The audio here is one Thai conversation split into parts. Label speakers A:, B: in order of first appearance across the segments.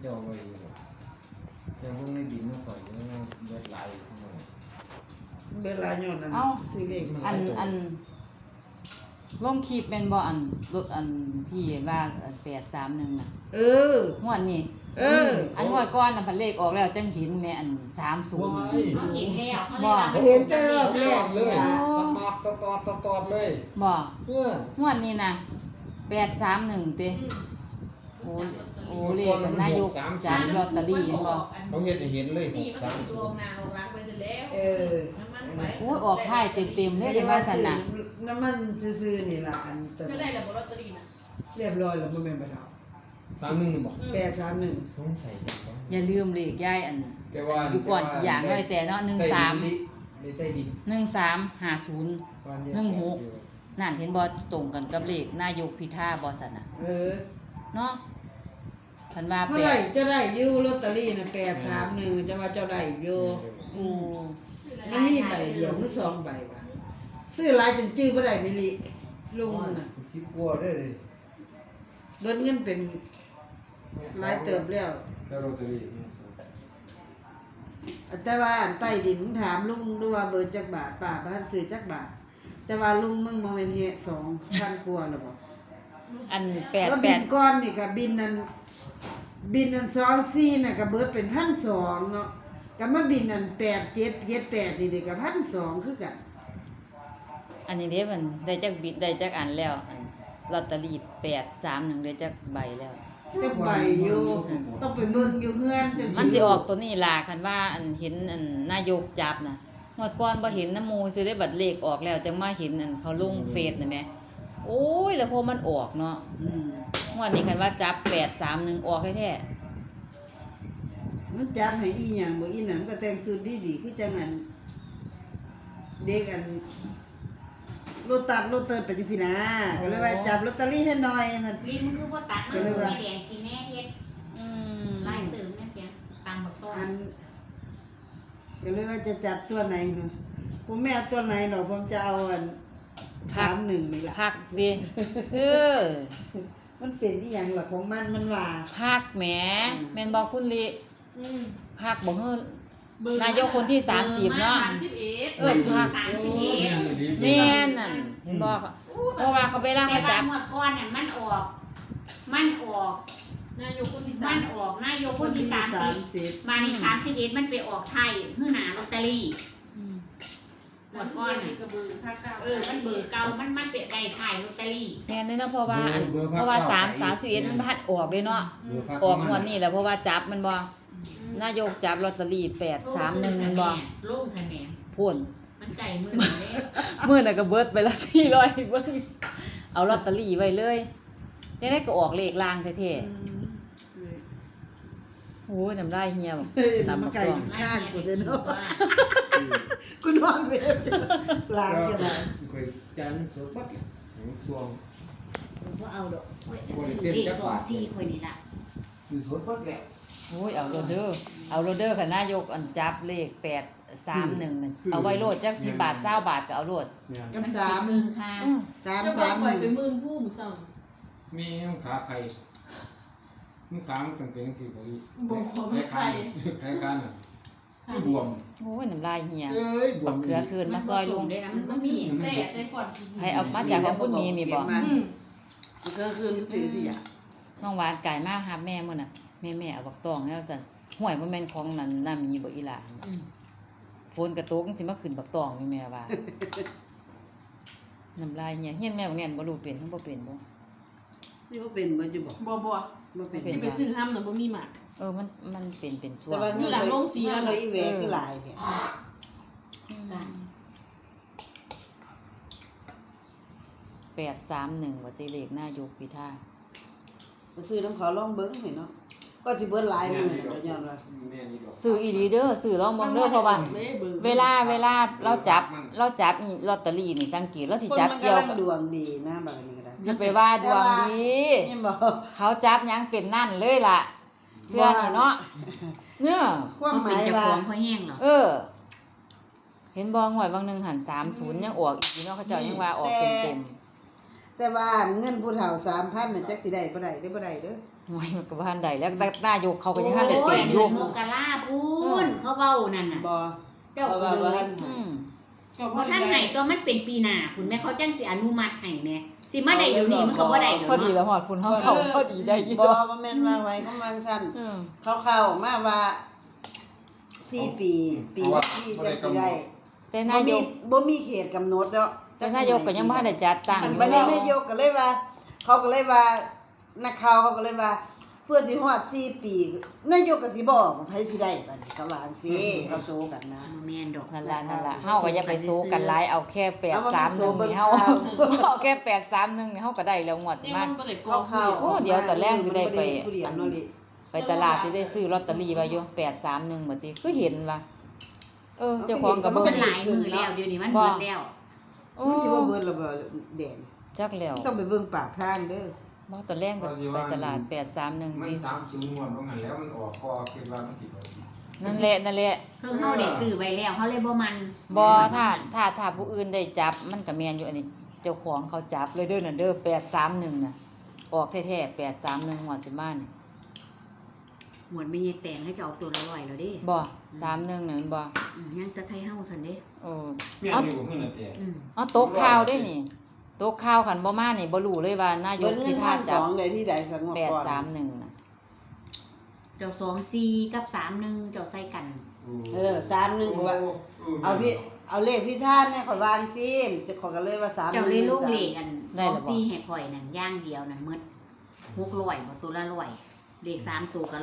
A: เจ้าไว้แต่พวกในดินมันข่อยยังเบิดหลายทั้งหมด
B: เวลาย้อนนั้นซื้อเลขมา
C: อันลงคลิปเป็นบ่รถพี่ว่า831น่ะงวดนี้อันงวดก่อนน่ะพันเลขออกแล้วจังเห็นแม่อัน30
D: เห็นแล้ว
C: บ่
B: เห็นแต่รอบแรก
A: เลยตอดเลย
C: บ่งวดนี้น่ะ831ติโอ้เลขนายกจากลอตเตอรี่บ่
A: เราเห็นเลย
D: 6-3ตัวนาออกหลังไปเสร็จแล้ว
C: โอ้ยออกท้ายเต็มๆเลยกันว่าซั่นน่ะ
B: น้ำมันซื่อๆนี่ล่ะอัน
D: จะได้แล้วบ่ลอตเตอรี่น่ะ
B: เรียบร้อยแล้วบ่แม่นบ่ดาว
A: 31บอก
B: 831
A: ต้องใส่
C: อย่าลืมเลขยายอันอยู่ก่อนกี่อย่างเลยแต่เนาะ13
A: ได้ดี
C: 1350 16นั่นเห็นบ่ตรงกันกับเลขนายกพิธาบ่ซั่นน่ะเนาะเพิ่นว่า
B: เท่าไหร่จะได้อยู่ลอตเตอรี่น่ะ831จะว่าเจ้าได้อยู่มันมีใบเดียวหรือ2ใบว่ะซื้อหลายจนจื้อบ่ได้นี่ลิลุงน่ะ
A: 10กว่าได้เลย
B: เบิดเงินเป็นหลายเติบแล้ว
A: ลอตเตอรี่
B: แต่ว่าอันใต้ดินถามลุงดูว่าเบิดจักบาทป้าบ่ทันซื้อจักบาทแต่ว่าลุงมึงบ่แม่นเฮ็ด 2,000 กว่าแล้วบ่
C: อัน
B: บินก่อนนี่ก็บินนั้น24น่ะก็เบิดเป็น 1,200 เนาะก็มาบินนั้น8778นี่ก็ 1,200 คือกัน
C: อันนี้เด้มันได้จักบิดได้จักอันแล้วอันลอตเตอรี่831ได้จักใบแล้ว
B: จักใบอยู่ต้องไปเบิ่งอยู่เฮือนจัง
C: มันสิออกตัวนี้ล่ะคันว่าอันเห็นอันนายกจับน่ะงวดก่อนบ่เห็นน้ำมูสิได้บัตรเลขออกแล้วจังมาเห็นอันเขาลงเฟซน่ะแม่โอ้ยแล้วพอมันออกเนาะงวดนี้คันว่าจับ831ออกแท้
B: มันจับให้อีหยังบ่อีนั่นก็แต่งสุดดีๆคือจังนั้นเด็กอันโลตัสโลเตอร์ไปจังซี่นะก็เลยว่าจับลอตเตอรี่ให้หน่อยนั่น
D: ลิ้นมันคือบ่ตัดมันไม่แดงกินแน่เฮ็ดลายเติมแม่เปียงตามบักต้น
B: ก็เลยว่าจะจับตัวไหนเนาะผมไม่เอาตัวไหนหรอกผมจะเอาอัน31นี่ล่ะ
C: พักสิ
B: มันเป็นอีหยังล่ะของมันว่า
C: พักแหมแม่นบ่คุณลิพักบ่ฮื้อนายกคนที่30เนาะพัก31แม่นนั่นเห็นบ่เพราะว่าเขาไปล่าเขาจับ
D: หมดก่อนน่ะมันออกนายกคนที่มันออกนายกคนที่30มานี่31มันไปออกไทยฮื้อหน้าลอตเตอรี่หมดก่อนนี่ก็เบอร์ภาคเก่ามันเบอร์เก่ามันเป็นใบไทยลอตเตอรี่
C: แม่นเลยเนาะเพราะว่า31มันพัดออกเลยเนาะออกงวดนี้แหละเพราะว่าจับมันบ่นายกจับลอตเตอรี่831มันบ่
D: ลงคะแนน
C: พุ่น
D: มันไก่มื้อนี้
C: มื้อน่ะก็เบิดไปละ400เบิ่งเอาลอตเตอรี่ไว้เลยได้ก็ออกเลขล่างแท้ๆโอ้ยน้ำลายเหี่ยว
B: ตำไก่ข้างกูเด้อเนาะกูนอนเวรล้างจังได๋
A: ค่อยจานสดบัดสวง
D: บ่เอาดอกเลข24ค่อยนี่ล่ะ
A: คือสดบัดแล้ว
C: โอ้ยเอาโลเดอร์ค่ะนายกอันจับเลข831นั่นเอาไว้โลดจัก10บาท20บาทก็เอาโลด
B: กับ3
D: ค่ะ
B: 3
D: ไปมื้อผู้มื้อเช้า
A: มีขาไข่มึงขามันตั้งแต่จังซี่บ่
D: อีไข่
A: กันน่ะบวม
C: โอ้ยน้ำลายเหี่ยบักเขือคืนมาซอยลุง
D: ได้นะมันมีแต่ใส่ก่อน
C: ให้เอามาจากของคุณมีบ่
B: มันก็คือซื่อสิอ่ะ
C: น้องหวานไก่มาหาแม่มื้อน่ะแม่เอาบักตองแล้วซั่นห้วยบ่แม่นของนั่นน่ามีบ่อีหล่ะฝนกระตกสิมาขึ้นบักตองนี่แม่ว่าน้ำลายเหี่ยเฮียนแม่บ่แน่นบ่รู้เป็นทั้งบ่เป็นบ่
B: นี่บ่เป็นบ่จะบอก
D: บ่เป็นไปซื้อห้ำน่ะบ่มีหมาก
C: มันเป็นช่วง
D: อยู่หลังโรงสีแล้ว
B: อีแหวคือหลายเนี่ย
C: 831ว่าติเลขนายกพิธา
B: ซื้อน้ำเขาลองเบิ่งให้เนาะก็สิเบิดหลายมื้อก็ย้อนว่า
C: ซื้ออีหลีเด้อซื้อลองเบิ่งเด้อเพราะว่าเวลาเราจับลอตเตอรี่นี่สังเกตเราสิจับเกี่ยวกับ
B: ดวงดีนะบัดนี้ก็ได้
C: อย่าไปว่าดวงดีเขาจับหยังเป็นนั่นเลยล่ะเพื่อนี่เนาะเนี่ย
B: ความหมายว่า
D: พอแห้งเหรอ
C: เห็นบ่งวดบางนึงหัน30ยังออกอีกเนาะเขาเจ้ายังว่าออกเต็ม
B: แต่ว่าเงินผู้เฒ่า 3,000 น่ะจักสิได้บ่ได้เด้อ
C: หวยมันก็บ่ทันได้แล้วแต่นายกเขาก็ยังทันได้
D: โอ้
C: เป็
D: ย
C: นอ
D: เดื
C: ยู่
D: อนมกราพูนเขาเว้านั่นน่ะ
B: บ่
D: เจ้า
B: ว่า
D: เล
B: ว่าย ท่าน
C: อืม
D: เพราะท่านให้ตัวมันเป็นปีหน้าคุณแม่เขาจังสิอนุมัติให้แม่สิมาได้เดี๋ยวนี้มันก็บ่ได้
C: พอดี
D: เนาะ
C: แล้วฮอดพุ่นเฮาเข้าพอดีได้อยู่
B: บ่บ่แม่นว่าไว้ก็มันสั้น
C: เออ
B: เขาเข้าออกมาว่า4ปีปีที่จังสิได้
C: แต่นายก
B: บ่มีเขตกำหนดเนาะ
C: แต่นายกก็ยังบ่ทันได้จัดตั้งอยู่
B: บัดนี้นายกก็เลยว่า เขาก็เลยว่านักข่าวเขาก็เลยว่า เพื่อสิฮอด4ปีนายกก็สิบอกว่าไผสิได้บัดนี้เขาว่าจังซี่เขาโซกันนะ
D: บ่แม่นดอก
C: นั่นล่ะเฮาก็อย่าไปสู้กันหลายเอาแค่831นี่เฮา
B: เอา
C: เอาแค่831นี่เฮาก็ได้แล้วงวดสิมา
B: เข้า
C: โอ้เดี๋ยวตอนแรกสิได้ไป
B: ผู้เดียวเนาะลิ
C: ไปตลาดสิได้ซื้อลอตเตอรี่ไว้อยู่831บัดนี้คือเห็นว่าเจ้าของก็
D: มั
C: เบิ่
D: น
C: ง
D: หลายมือแล้วเดี๋ยวนี้มันเบิดแล้ว
C: โอ้
B: มันสิว่าเบิดแล้วบ่แดง
C: จักแล้ว
B: ต้องไปเบิ่งปากทางเด้อ
C: บ่ตอนแรกก็ไปตลาด
A: มัน
C: 831ติ
A: 30งวดบ่หันแล้วมันออกก็คิดว่ามันสิบ่ดี
C: นั่นแหละ
D: คือเฮาได้ซื้อไว้แล้วเฮาเลยบ่มัน
C: บ่ถ้าผู้อื่นได้จับมันก็แม่นอยู่อันนี้เจ้าของเขาจับเลยเด้อนั่นเด้อ831น่ะออกแท้ๆ831งวดสิมานี่
D: หมวดไม่ใช่แต่งให้จะเอาตัวละ100แล้วเด้
C: บ่31นั่นมันบ่
D: ยังแตะไทยเฮาซั่นเด้
C: เออ
A: แม่นอยู่บ่คือนั่นแต่
C: เอาโต๊ะข้าวได้นี่โต๊ะข้าวคันบ่มานี่บ่รู้เลยว่านาย
B: เบิ่
C: ก
B: งเงิ
C: สิ
B: น
C: พาจับ
B: 1,200ได้ที่ใดสักงวดก่อน
C: 831น่ะ
D: เจ้า24กับ31เจ้าใส่กัน
B: 31ก็ว่าเอาเลขพี่ท่านเนี่ยข่อยวางซิจะขอกันเลยว่า3
D: เจ้าเลยลูกเลขกัน24ให้ข่อยนั่นอย่างเดียวนั่นหมด600บ่ตัวละ100เลข3ตัวก็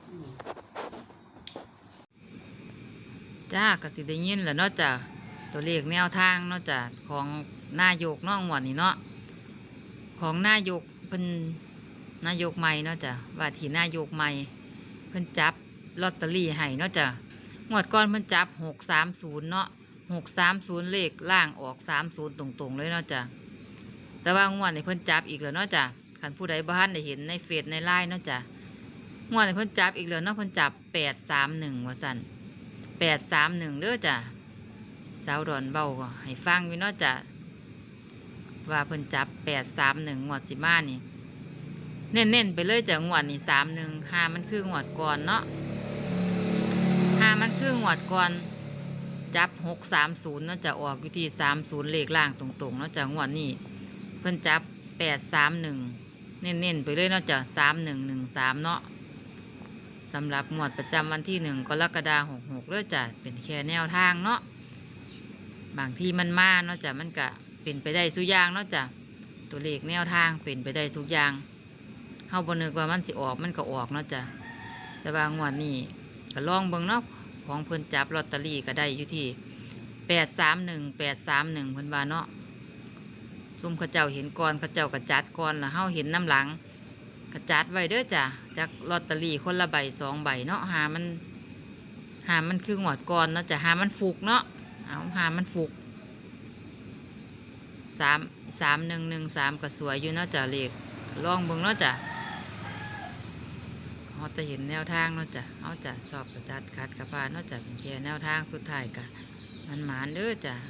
D: 100
C: จ้าก็สิได้ยินแหล้วเนาะจ้ะตัวเลขแนวทางเนาะจ้ะของนายกน้องหวดนี่เนาะของนายกเพิ่นนายกใหม่เนาะจ้ะว่าที่นายกใหม่เพิ่นจับลอตเตอรี่ให้เนาะจ้ะงวดก่อนเพิ่นจับ630เนาะ630เลขล่างออก30ตรงๆเลยเนาะจ้ะแต่ว่างวดนี้เพิ่นจับอีกแล้วเนาะจ้ะคันผู้ใดบ่ทันได้เห็นในเฟซในไลน์เนาะจ้ะงวดนี้เพิ่นจับอีกแล้วเนาะเพิ่นจับ831ว่าซั่น831เด้อจ้ะสาวดอนเบาก็ให้ฟังอยู่เนาะจ้ะว่าเพิ่นจับ831งวดสิมานี่เน้นๆไปเลยจ้ะงวดนี่31หามันคืองวดก่อนเนาะหามันคืองวดก่อนจับ630เนาะจะออกอยู่ที่30เลขล่างตรงๆเนาะจ้ะงวดนี้เพิ่นจับ831เน้นๆไปเลยเนาะจ้ะ3113เนาะสำหรับงวดประจำวันที่1 กรกฎาคม66เด้อจ้ะเป็นแค่แนวทางเนาะบางที่มันมาเนาะจ้ะมันก็เป็นไปได้ทุกอย่างเนาะจ้ะตัวเลขแนวทางเป็นไปได้ทุกอย่างเฮาบ่นึกว่ามันสิออกมันก็ออกเนาะจ้ะแต่ว่างวดนี้ก็ลองเบิ่งเนาะของเพิ่นจับลอตเตอรี่ก็ได้อยู่ที่831เพิ่นว่าเนาะซุ่มเขาเจ้าเห็นก่อนเขาเจ้าก็จัดก่อนแล้วเฮาเห็นน้ำหลังก็จัดไว้เด้อจ้ะจากลอตเตอรี่คนละใบ2ใบเนาะหามันคืองวดก่อนเนาะจ้ะหามันฟุกเนาะเอาหามันฟุก3113ก็สวยอยู่เนาะจ้ะเลขลองเบิ่งเนาะจ้ะเฮาจะเห็นแนวทางเนาะจ้ะเฮาจะชอบกระจัดคัดกระพานเนาะจ้ะเป็นแค่แนวทางสุดท้ายก็มันหมานเด้อจ้ะ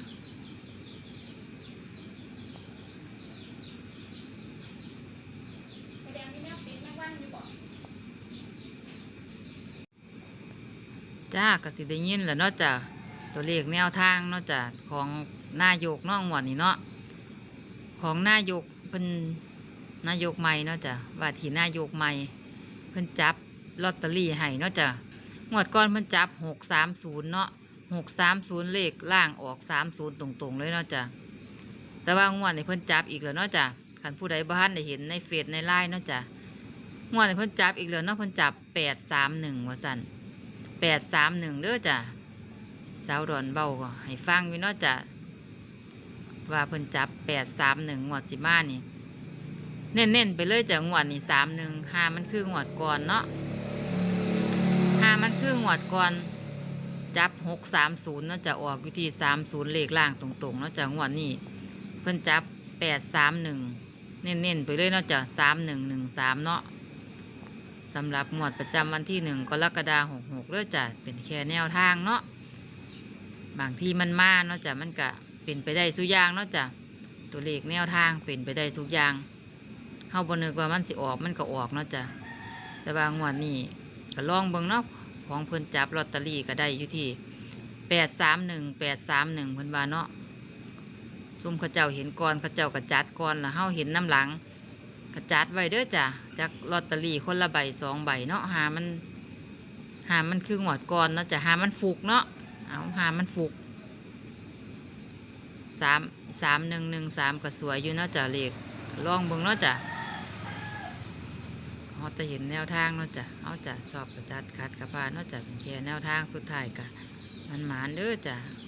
C: จ้าก็สิได้ยินแหล้วเนาะจ้ะตัวเลขแนวทางเนาะจ้ะของนายกน้องหวดนี่เนาะของนายกเป็นนายกใหม่เนาะจ้ะว่าที่นายกใหม่เพิ่นจับลอตเตอรี่ให้เนาะจ้ะงวดก่อนเพิ่นจับ630เนาะ630เลขล่างออก30ตรงๆเลยเนาะจ้ะแต่ว่างวดนี้เพิ่นจับอีกแล้วเนาะจ้ะคันผู้ใดบ่ทันได้เห็นในเฟซในไลน์เนาะจ้ะงวดนี้เพิ่นจับอีกแล้วเนาะเพิ่นจับ831ว่าซั่น831เด้อจ้ะสาวดอนเบาก็ให้ฟังอยู่เนาะจ้ะว่าเพิ่นจับ831งวดสิมานี่เน้นๆไปเลยจ้ะงวดนี่31หามันคืองวดก่อนเนาะหามันคืองวดก่อนจับ630เนาะจะออกอยู่ที่30เลขล่างตรงๆเนาะจ้ะงวดนี้เพิ่นจับ831เน้นๆไปเลยเนาะจ้ะ3113เนาะสำหรับงวดประจำวันที่1 กรกฎาคม66เด้อจ้ะเป็นแค่แนวทางเนาะบางที่มันมาเนาะจ้ะมันก็เป็นไปได้ทุกอย่างเนาะจ้ะตัวเลขแนวทางเป็นไปได้ทุกอย่างเฮาบ่นึกว่ามันสิออกมันก็ออกเนาะจ้ะแต่ว่างวดนี้ก็ลองเบิ่งเนาะของเพิ่นจับลอตเตอรี่ก็ได้อยู่ที่831 831เพิ่นว่าเนาะซุ่มเขาเจ้าเห็นก่อนเขาเจ้าก็จัดก่อนแล้วเฮาเห็นน้ำหลังก็จัดไว้เด้อจ้ะจักลอตเตอรี่คนละใบ2ใบเนาะหามันคืองวดก่อนเนาะจ้ะหามันฟุกเนาะเอาหามันฟุก3113ก็สวยอยู่เนาะจ้ะเลขลองเบิ่งเนาะจ้ะเฮาจะเห็นแนวทางเนาะจ้ะเอาจ้ะชอบก็จัดคัดก็ผ่านเนาะจ้ะเป็นแค่แนวทางสุดท้ายก็มันหมานเด้อจ้ะ